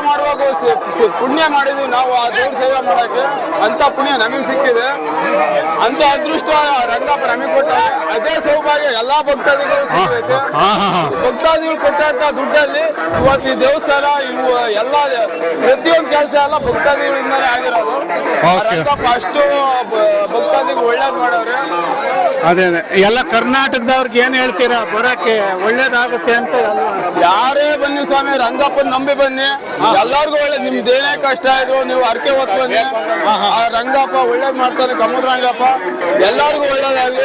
ಮಾಡುವಾಗ ಪುಣ್ಯ ಮಾಡಿದ್ವಿ ನಾವು ಆ ದೇವ್ರ ಸೇವೆ ಮಾಡಕ್ಕೆ, ಅಂತ ಪುಣ್ಯ ನಮಗೆ ಸಿಕ್ಕಿದೆ, ಅಂತ ಅದೃಷ್ಟ ರಂಗಪ್ಪ ನಮಗೆ ಕೊಟ್ಟ. ಅದೇ ಸೌಭಾಗ್ಯ ಎಲ್ಲಾ ಭಕ್ತಾದಿಗಳು ಸಿಗೈತೆ. ಭಕ್ತಾದಿಗಳು ಕೊಟ್ಟಂತ ದುಡ್ಡಲ್ಲಿ ಇವತ್ತು ಈ ದೇವಸ್ಥಾನ ಇವು ಎಲ್ಲ ಪ್ರತಿಯೊಂದು ಕೆಲಸ ಎಲ್ಲ ಭಕ್ತಾದಿಗಳಿಂದಾನೇ ಆಗಿರೋದು. ರಂಗಪ್ಪ ಅಷ್ಟು ಭಕ್ತಾದಿಗಳು ಒಳ್ಳೇದ್ ಮಾಡವ್ರೆ. ಅದೇ ಎಲ್ಲ ಕರ್ನಾಟಕದವ್ರಿಗೆ ಏನ್ ಹೇಳ್ತೀರಾ ಬರಕ್ಕೆ ಒಳ್ಳೇದಾಗುತ್ತೆ ಅಂತ? ಯಾರೇ ಬನ್ನಿ ಸ್ವಾಮಿ, ರಂಗಪ್ಪನ ನಂಬಿ ಬನ್ನಿ, ಎಲ್ಲಾರ್ಗು ಒಳ್ಳೇದ್. ನಿಮ್ದು ಏನೇ ಕಷ್ಟ ಇದ್ರು ನೀವು ಅರ್ಕೆ ಹೊತ್ತು ಬನ್ನಿ, ಆ ರಂಗಪ್ಪ ಒಳ್ಳೇದ್ ಮಾಡ್ತಾನೆ. ಕಮ್ಮದ ರಂಗಪ್ಪ ಎಲ್ಲಾರ್ಗು ಒಳ್ಳೇದಾಗ್ಲಿ,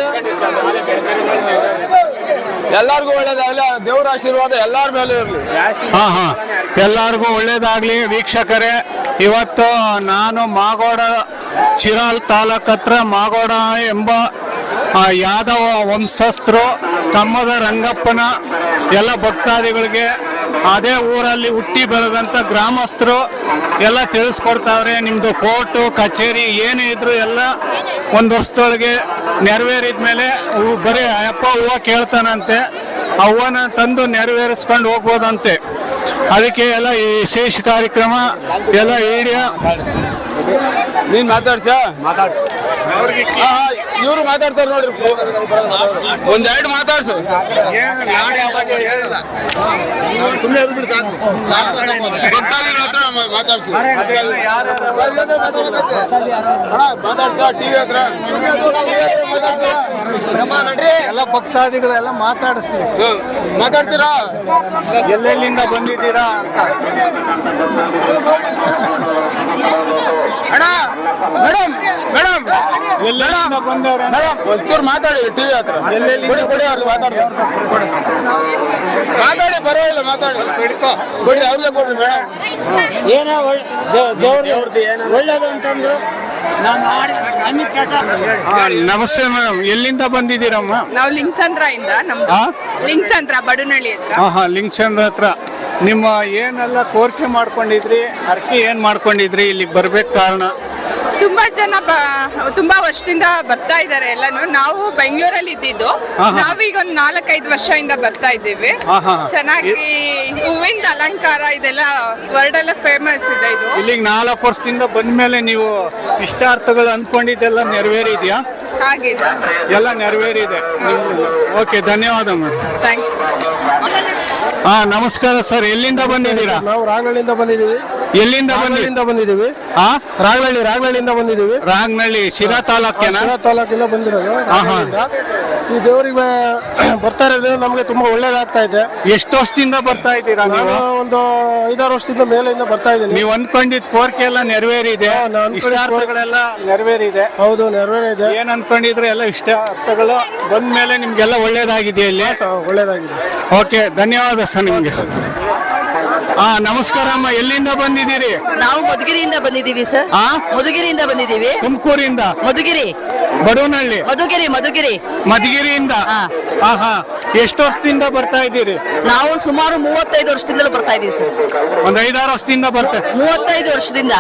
ಎಲ್ಲಾರ್ಗು ಒಳ್ಳೇದಾಗ್ಲಿ. ದೇವ್ರ ಆಶೀರ್ವಾದ ಎಲ್ಲಾರ ಮೇಲೆ ಇರ್ಲಿ. ಎಲ್ಲಾರ್ಗು ಒಳ್ಳೇದಾಗ್ಲಿ. ವೀಕ್ಷಕರೇ, ಇವತ್ತು ನಾನು ಮಾಗೋಡ ಚಿರಾಲ್ ತಾಲೂಕ್ ಹತ್ರ ಮಾಗೋಡ ಎಂಬ ಯಾದವ ವಂಶಸ್ಥರು ಕಮ್ಮದ ರಂಗಪ್ಪನ ಎಲ್ಲ ಭಕ್ತಾದಿಗಳಿಗೆ ಅದೇ ಊರಲ್ಲಿ ಹುಟ್ಟಿ ಬೆಳೆದಂಥ ಗ್ರಾಮಸ್ಥರು ಎಲ್ಲ ತಿಳಿಸ್ಕೊಡ್ತಾವ್ರೆ. ನಿಮ್ಮದು ಕೋರ್ಟು ಕಚೇರಿ ಏನೇ ಇದ್ರು ಎಲ್ಲ ಒಂದು ವರ್ಷದೊಳಗೆ ನೆರವೇರಿದ ಮೇಲೆ ಬರೀ ಅಯ್ಯಪ್ಪ ಹೂವು ಕೇಳ್ತಾನಂತೆ, ಆ ಹೂವನ್ನ ತಂದು ನೆರವೇರಿಸ್ಕೊಂಡು ಹೋಗ್ಬೋದಂತೆ. ಅದಕ್ಕೆ ಎಲ್ಲ ಈ ವಿಶೇಷ ಕಾರ್ಯಕ್ರಮ ಎಲ್ಲ ಏರಿಯಾ. ನೀನ್ ಇವ್ರು ಮಾತಾಡ್ತಾರೆ ನೋಡ್ರಿ, ಒಂದೆರಡು ಮಾತಾಡ್ಸು. ಭಕ್ತಾದಿಗಳ ಹತ್ರ ಮಾತಾಡ್ಸಿ, ಮಾತಾಡ್ಸ ಟಿವಿ ಹತ್ರ ಎಲ್ಲ ಭಕ್ತಾದಿಗಳೆಲ್ಲ ಮಾತಾಡಿಸಿ. ಮಾತಾಡ್ತೀರಾ? ಎಲ್ಲೆಲ್ಲಿಂದ ಬಂದಿದ್ದೀರಾ ಅಂತ. ಅಣ್ಣ ಮೇಡಮ್ ಮೇಡಮ್ ಎಲ್ಲೆಲ್ಲಿಂದ ಬಂದವ್ರೆ ಮೇಡಮ್ ಒಂಚೂರು ಮಾತಾಡಿ ಟಿವಿ ಹತ್ರ. ಕೊಡಿ ಕೊಡಿ ಅವ್ರಿಗೆ ಮಾತಾಡ್ತಾರೆ, ಮಾತಾಡಿ ಪರವಾಗಿಲ್ಲ, ಮಾತಾಡಿ ಕೊಡಿ ಅವ್ರಿಗೆ ಕೊಡ್ರಿ ಮೇಡಮ್. ಏನೋ ಒಳ್ಳೇದು ಅಂತಂದು ನಮಸ್ತೆ ಮೇಡಮ್, ಎಲ್ಲಿಂದ ಬಂದಿದ್ದೀರಮ್ಮ? ನಾವು ಲಿಂಗಸಂದ್ರ ಇಂದ, ನಮ್ದು ಲಿಂಗಸಂದ್ರ ಬಡುನಳ್ಳಿ ಹತ್ರ. ಲಿಂಗಸಂದ್ರ ಹತ್ರ ನಿಮ್ಮ ಏನೆಲ್ಲ ಕೋರಿಕೆ ಮಾಡ್ಕೊಂಡಿದ್ರಿ, ಅರ್ಕೆ ಏನ್ ಮಾಡ್ಕೊಂಡಿದ್ರಿ, ಇಲ್ಲಿಗೆ ಬರ್ಬೇಕು ಕಾರಣ? ತುಂಬಾ ಜನ ತುಂಬಾ ವರ್ಷದಿಂದ ಬರ್ತಾ ಇದಾರೆ ಎಲ್ಲಾನು. ನಾವು ಬೆಂಗಳೂರಲ್ಲಿ ಇದ್ದಿದ್ದು, ನಾವೀಗ ಒಂದು 4-5 ವರ್ಷದಿಂದ ಬರ್ತಾ ಇದ್ದೀವಿ. ಚೆನ್ನಾಗಿ ಹೂವಿಂದ ಅಲಂಕಾರ ಇದೆಲ್ಲ ವರ್ಲ್ಡ್ ಎಲ್ಲ ಫೇಮಸ್ ಇದೆ ಇದು. ಇಲ್ಲಿಗೆ 4 ವರ್ಷದಿಂದ ಬಂದ್ಮೇಲೆ ನೀವು ಇಷ್ಟಾರ್ಥಗಳು ಅಂದ್ಕೊಂಡಿದ್ದೆಲ್ಲ ನೆರವೇರಿದ್ಯಾ? ಹಾಗಿದೆ, ಎಲ್ಲ ನೆರವೇರಿದೆ. ಓಕೆ, ಧನ್ಯವಾದ ಮೇಡಮ್. Thank you. ನಮಸ್ಕಾರ ಸರ್, ಎಲ್ಲಿಂದ ಬಂದಿದ್ದೀರಾ? ನಾವು ರಾಗನಹಳ್ಳಿಯಿಂದ ಬಂದಿದ್ದೀವಿ. ಎಲ್ಲಿಂದ ಬಂದಿದ್ದೀವಿ? ರಾಗನಹಳ್ಳಿಯಿಂದ ಬಂದಿದ್ದೀವಿ. ರಾಗನಹಳ್ಳಿ ಶಿರಾ ತಾಲೂಕಿನ? ಶಿರಾ ತಾಲೂಕಿಂದ ಬಂದಿರೋದು. ಈ ದೇವರಿಗೆ ಬರ್ತಾ ಇರೋದು ನಮ್ಗೆ ತುಂಬಾ ಒಳ್ಳೇದಾಗ್ತಾ ಇದೆ. ಎಷ್ಟು ವರ್ಷದಿಂದ ಬರ್ತಾ ಇದ್ದೀರಾ? ನಾನು ಒಂದು 5-6 ವರ್ಷದಿಂದ ಮೇಲೆಯಿಂದ ಬರ್ತಾ ಇದ್ದೀನಿ. ನೀವು ಅಂದ್ಕೊಂಡಿದ್ ಕೋರಿಕೆ ಎಲ್ಲ ನೆರವೇರಿದೆ, ಇಷ್ಟಾರ್ಥಗಳೆಲ್ಲ ನೆರವೇರಿದೆ? ಹೌದು, ನೆರವೇರಿದೆ. ಏನ್ ಅನ್ಕೊಂಡಿದ್ರೆ ಎಲ್ಲ ಇಷ್ಟಾರ್ಥಗಳು ಬಂದ್ಮೇಲೆ ನಿಮ್ಗೆಲ್ಲ ಒಳ್ಳೇದಾಗಿದೆ ಇಲ್ಲಿ? ಒಳ್ಳೇದಾಗಿದೆ. ಓಕೆ, ಧನ್ಯವಾದ ಸರ್ ನಿಮ್ಗೆ. ನಮಸ್ಕಾರ ಅಮ್ಮ, ಎಲ್ಲಿಂದ ಬಂದಿದ್ದೀರಿ? ನಾವು ಮಧುಗಿರಿಯಿಂದ ಬಂದಿದ್ದೀವಿ ಸರ್. ಮಧುಗಿರಿಯಿಂದ ಬಂದಿದ್ದೀವಿ. ತುಮಕೂರಿಂದ? ಮಧುಗಿರಿ, ಬಡವನಹಳ್ಳಿ. ಮಧುಗಿರಿಯಿಂದ? ಎಷ್ಟು ವರ್ಷದಿಂದ ಬರ್ತಾ ಇದ್ದೀರಿ? ನಾವು ಸುಮಾರು 35 ವರ್ಷದಿಂದಲೂ ಬರ್ತಾ ಇದ್ದೀವಿ ಸರ್. ಒಂದ್ 5-6 ವರ್ಷದಿಂದ 35 ವರ್ಷದಿಂದ.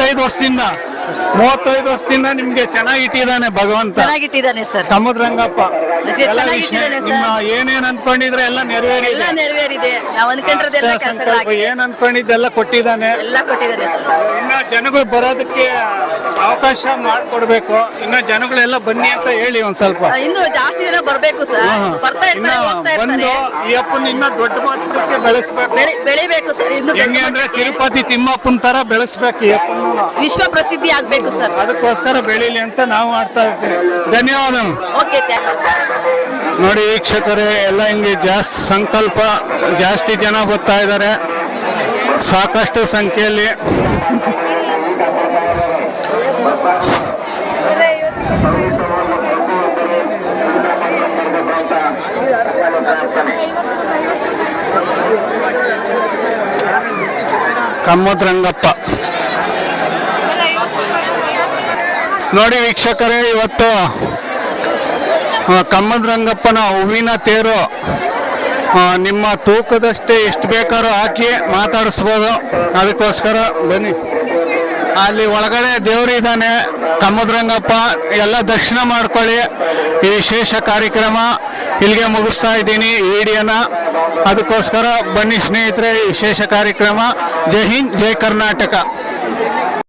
35 ವರ್ಷದಿಂದ ನಿಮ್ಗೆ ಚೆನ್ನಾಗಿಟ್ಟಿದ್ದಾನೆ ಭಗವಂತ. ಚೆನ್ನಾಗಿಟ್ಟಿದ್ದಾನೆ ಸರ್. ಕಮ್ಮದ ರಂಗಪ್ಪ ನಿಮ್ಮ ಏನೇನ್ ಅನ್ಕೊಂಡಿದ್ರೆ ಎಲ್ಲ ನೆರವೇರಿದೆ. ನಾವು ಅನ್ಕೊಂಡಿರೋದೆಲ್ಲ ಕೆಲಸಗಳಾಗಿದೆ. ಏನ್ ಅನ್ಕೊಂಡಿದ್ದೆಲ್ಲ ಕೊಟ್ಟಿದ್ದಾನೆ, ಎಲ್ಲ ಕೊಟ್ಟಿದ್ದಾನೆ ಸರ್. ಇನ್ನ ಜನಗಳು ಬರೋದಕ್ಕೆ ಅವಕಾಶ ಮಾಡ್ಕೊಡ್ಬೇಕು. ಇನ್ನ ಜನಗಳೆಲ್ಲ ಬನ್ನಿ ಅಂತ ಹೇಳಿ ಒಂದ್ ಸ್ವಲ್ಪ. ಇನ್ನು ಜಾಸ್ತಿ ಜನ ಬರ್ಬೇಕು ಸರ್. ಬರ್ತಾ ಬಂದು ಈ ಅಪ್ಪನ ಇನ್ನ ದೊಡ್ಡ ಮಟ್ಟಕ್ಕೆ ಬೆಳೆಸ್ಬೇಕು, ಬೆಳಿಬೇಕು ಸರ್. ಇನ್ನು ಹೆಂಗೆ ಅಂದ್ರೆ ತಿರುಪತಿ ತಿಮ್ಮಪ್ಪನ ತರ ಬೆಳೆಸ್ಬೇಕು ಈ ಅಪ್ಪನ, ವಿಶ್ವ ಪ್ರಸಿದ್ಧಿ ಆಗ್ಬೇಕು ಸರ್. ಅದಕ್ಕೋಸ್ಕರ ಬೆಳೀಲಿ ಅಂತ ನಾವು ಮಾಡ್ತಾ ಇರ್ತೀವಿ. ಧನ್ಯವಾದ. ಓಕೆ, ನೋಡಿ ವೀಕ್ಷಕರೇ, ಎಲ್ಲ ಹಿಂಗೆ ಜಾಸ್ತಿ ಸಂಕಲ್ಪ, ಜಾಸ್ತಿ ಜನ ಬರ್ತಾ ಇದ್ದಾರೆ ಸಾಕಷ್ಟು ಸಂಖ್ಯೆಯಲ್ಲಿ. ಕಮ್ಮದ ರಂಗಪ್ಪ ನೋಡಿ ವೀಕ್ಷಕರೇ, ಇವತ್ತು ಕಮ್ಮದ ರಂಗಪ್ಪನ ಹೂವಿನ ತೇರು ನಿಮ್ಮ ತೂಕದಷ್ಟೇ ಎಷ್ಟು ಬೇಕಾದ್ರೂ ಹಾಕಿ ಮಾತಾಡಿಸ್ಬೋದು. ಅದಕ್ಕೋಸ್ಕರ ಬನ್ನಿ. ಅಲ್ಲಿ ಒಳಗಡೆ ದೇವರು ಇದ್ದಾನೆ ಕಮ್ಮದ ರಂಗಪ್ಪ. ಎಲ್ಲ ದರ್ಶನ ಮಾಡ್ಕೊಳ್ಳಿ. ಈ ವಿಶೇಷ ಕಾರ್ಯಕ್ರಮ ಇಲ್ಲಿಗೆ ಮುಗಿಸ್ತಾ ಇದ್ದೀನಿ ವಿಡಿಯೋನ. ಅದಕ್ಕೋಸ್ಕರ ಬನ್ನಿ ಸ್ನೇಹಿತರೆ, ವಿಶೇಷ ಕಾರ್ಯಕ್ರಮ. ಜೈ ಹಿಂದ್, ಜೈ ಕರ್ನಾಟಕ.